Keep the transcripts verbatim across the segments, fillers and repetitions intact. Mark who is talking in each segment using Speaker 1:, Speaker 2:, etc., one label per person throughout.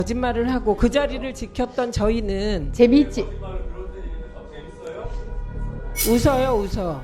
Speaker 1: 거짓말을 하고 그 자리를 지켰던 저희는
Speaker 2: 재미있지.
Speaker 1: 웃어요, 웃어.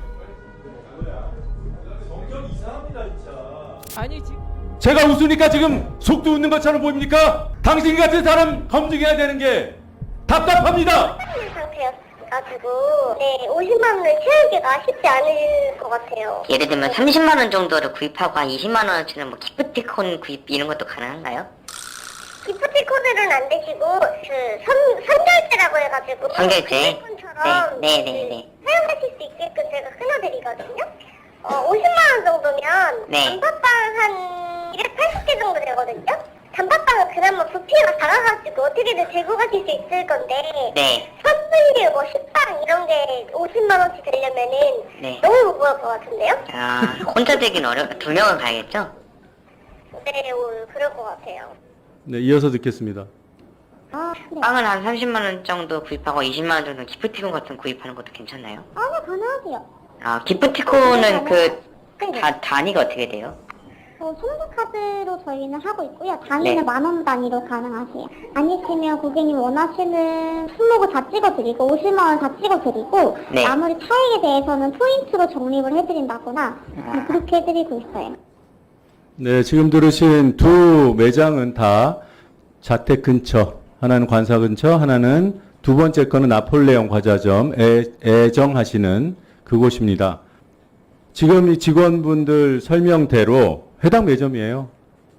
Speaker 1: 아니 지금
Speaker 3: 제가 웃으니까 지금 속도 웃는 것처럼 보입니까? 당신 같은 사람 검증해야 되는 게 답답합니다.
Speaker 4: 상태여가지고 네 오십만 원을 채우기가 쉽지 않을 것 같아요.
Speaker 5: 예를 들면 삼십만 원 정도를 구입하고 한 이십만 원어치는 뭐 기프티콘 구입 이런 것도 가능한가요?
Speaker 4: 기프티콘으로는 안 되시고 그 선, 선결제라고 해가지고
Speaker 5: 선결제?
Speaker 4: 쿠폰처럼
Speaker 5: 네, 네, 네, 네.
Speaker 4: 사용하실 수 있게끔 제가 끊어드리거든요. 어, 오십만 원 정도면
Speaker 5: 네.
Speaker 4: 단팥빵 한 이백팔십 개 정도 되거든요. 단팥빵은 그나마 부피가 작아가지고 어떻게든 들고 가실 수 있을 건데
Speaker 5: 네.
Speaker 4: 선물류 뭐 식빵 이런 게 오십만 원치 되려면은
Speaker 5: 네.
Speaker 4: 너무 무거울 것 같은데요?
Speaker 5: 아, 혼자 되긴 어려, 두 명은 가야겠죠?
Speaker 4: 네, 오, 그럴 것 같아요.
Speaker 3: 네, 이어서 듣겠습니다.
Speaker 4: 아, 네.
Speaker 5: 빵을 한 삼십만 원 정도 구입하고 이십만 원 정도 기프티콘 같은 거 구입하는 것도 괜찮나요?
Speaker 4: 아, 네, 가능하세요.
Speaker 5: 아, 기프티콘은 그,
Speaker 4: 네.
Speaker 5: 다, 단위가 어떻게 돼요?
Speaker 4: 어, 선불카드로 저희는 하고 있고요. 단위는
Speaker 5: 네.
Speaker 4: 만 원 단위로 가능하세요. 아니시면 고객님 원하시는 품목을 다 찍어드리고 오십만 원 다 찍어드리고
Speaker 5: 네.
Speaker 4: 나머지 차액에 대해서는 포인트로 적립을 해드린다거나
Speaker 5: 아.
Speaker 4: 그렇게 해드리고 있어요.
Speaker 3: 네, 지금 들으신 두 매장은 다 자택 근처, 하나는 관사 근처, 하나는 두 번째 거는 나폴레옹 과자점 애, 애정하시는 그곳입니다. 지금 이 직원분들 설명대로 해당 매점이에요.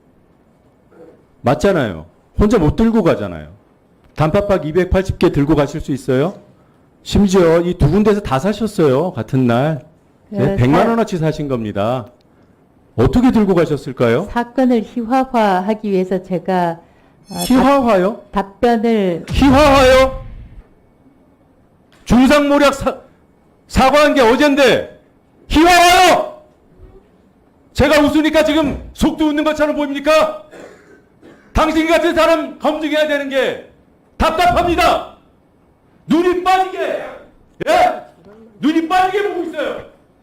Speaker 3: 맞잖아요. 혼자 못 들고 가잖아요. 단팥빵 이백팔십 개 들고 가실 수 있어요? 심지어 이 두 군데서 다 사셨어요. 같은 날. 네,
Speaker 2: 네,
Speaker 3: 백만
Speaker 2: 사-
Speaker 3: 원어치 사신 겁니다. 어떻게 들고 가셨을까요?
Speaker 2: 사건을 희화화하기 위해서 제가 어,
Speaker 3: 희화화요?
Speaker 2: 답, 답변을
Speaker 3: 희화화요? 중상모략 사, 사과한 게 어젠데 희화화요? 제가 웃으니까 지금 속도 웃는 것처럼 보입니까? 당신 같은 사람 검증해야 되는 게 답답합니다. 눈이 빠지게, 예? 눈이 빠지게 보고 있어요.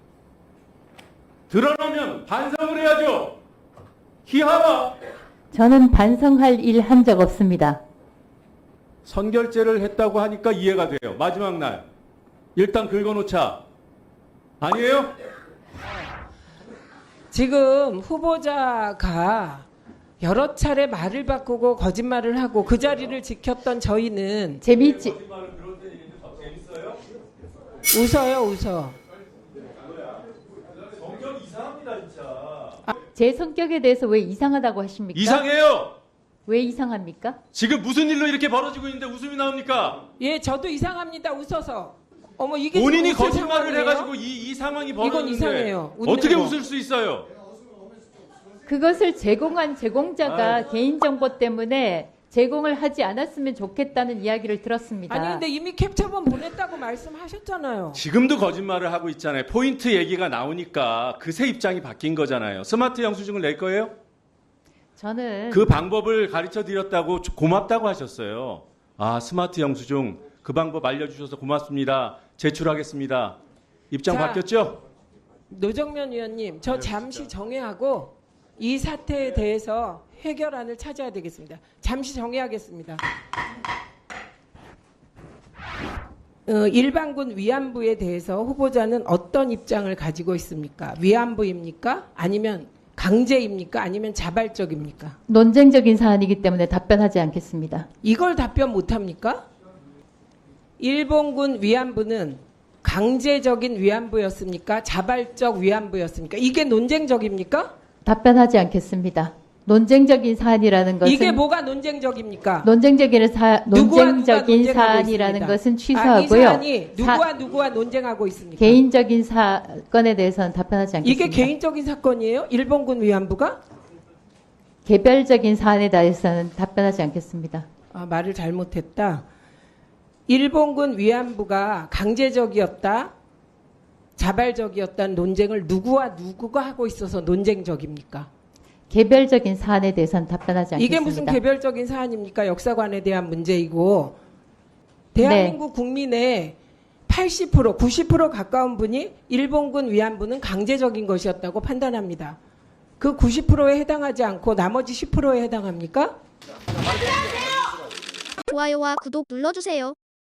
Speaker 3: 드러나면 반성을 해야죠. 희화화.
Speaker 2: 저는 반성할 일 한 적 없습니다.
Speaker 3: 선결제를 했다고 하니까 이해가 돼요. 마지막 날. 일단 긁어놓자. 아니에요?
Speaker 1: 지금 후보자가 여러 차례 말을 바꾸고 거짓말을 하고 그 자리를 지켰던 저희는
Speaker 2: 재미있지.
Speaker 1: 웃어요, 웃어.
Speaker 2: 제 성격에 대해서 왜 이상하다고 하십니까?
Speaker 3: 이상해요.
Speaker 2: 왜 이상합니까?
Speaker 3: 지금 무슨 일로 이렇게 벌어지고 있는데 웃음이 나옵니까?
Speaker 1: 예, 저도 이상합니다. 웃어서. 어머 이게
Speaker 3: 본인이
Speaker 1: 지금 웃을
Speaker 3: 거짓말을
Speaker 1: 상황이에요?
Speaker 3: 해가지고 이, 이 상황이
Speaker 1: 이건
Speaker 3: 벌어졌는데
Speaker 1: 이상해요. 웃는
Speaker 3: 어떻게
Speaker 1: 거.
Speaker 3: 웃을 수 있어요?
Speaker 2: 그것을 제공한 제공자가
Speaker 3: 아유.
Speaker 2: 개인정보 때문에 제공을 하지 않았으면 좋겠다는 이야기를 들었습니다.
Speaker 1: 아니 근데 이미 캡처본 보냈다고 말씀하셨잖아요.
Speaker 3: 지금도 거짓말을 하고 있잖아요. 포인트 얘기가 나오니까 그새 입장이 바뀐 거잖아요. 스마트 영수증을 낼 거예요?
Speaker 2: 저는
Speaker 3: 그 방법을 가르쳐 드렸다고 고맙다고 하셨어요. 아, 스마트 영수증 그 방법 알려주셔서 고맙습니다. 제출하겠습니다. 입장
Speaker 1: 자,
Speaker 3: 바뀌었죠?
Speaker 1: 노정면 의원님, 저 잠시 정회하고 이 사태에 대해서 해결안을 찾아야 되겠습니다. 잠시 정회하겠습니다. 어, 일반군 위안부에 대해서 후보자는 어떤 입장을 가지고 있습니까? 위안부입니까? 아니면 강제입니까? 아니면 자발적입니까?
Speaker 2: 논쟁적인 사안이기 때문에 답변하지 않겠습니다.
Speaker 1: 이걸 답변 못합니까? 일본군 위안부는 강제적인 위안부였습니까? 자발적 위안부였습니까? 이게 논쟁적입니까?
Speaker 2: 답변하지 않겠습니다. 논쟁적인 사안이라는 것은
Speaker 1: 이게 뭐가 논쟁적입니까?
Speaker 2: 논쟁적인 사
Speaker 1: 누구와 누가
Speaker 2: 논쟁적인
Speaker 1: 논쟁하고
Speaker 2: 사안이라는
Speaker 1: 있습니다.
Speaker 2: 것은
Speaker 1: 아, 이
Speaker 2: 취소하고요.
Speaker 1: 사안이 누구와
Speaker 2: 사-
Speaker 1: 누구와 논쟁하고 있습니까?
Speaker 2: 개인적인 사건에 대해서는 답변하지 않겠습니다.
Speaker 1: 이게 개인적인 사건이에요? 일본군 위안부가?
Speaker 2: 개별적인 사안에 대해서는 답변하지 않겠습니다.
Speaker 1: 아, 말을 잘못했다. 일본군 위안부가 강제적이었다, 자발적이었다는 논쟁을 누구와 누구가 하고 있어서 논쟁적입니까?
Speaker 2: 개별적인 사안에 대해서는 답변하지 않겠습니다.
Speaker 1: 이게 무슨 개별적인 사안입니까? 역사관에 대한 문제이고 대한민국 국민의 팔십 퍼센트, 구십 퍼센트 가까운 분이 일본군 위안부는 강제적인 것이었다고 판단합니다. 그 구십 퍼센트에 해당하지 않고 나머지 십 퍼센트에 해당합니까?
Speaker 6: 좋아요와 구독 눌러주세요.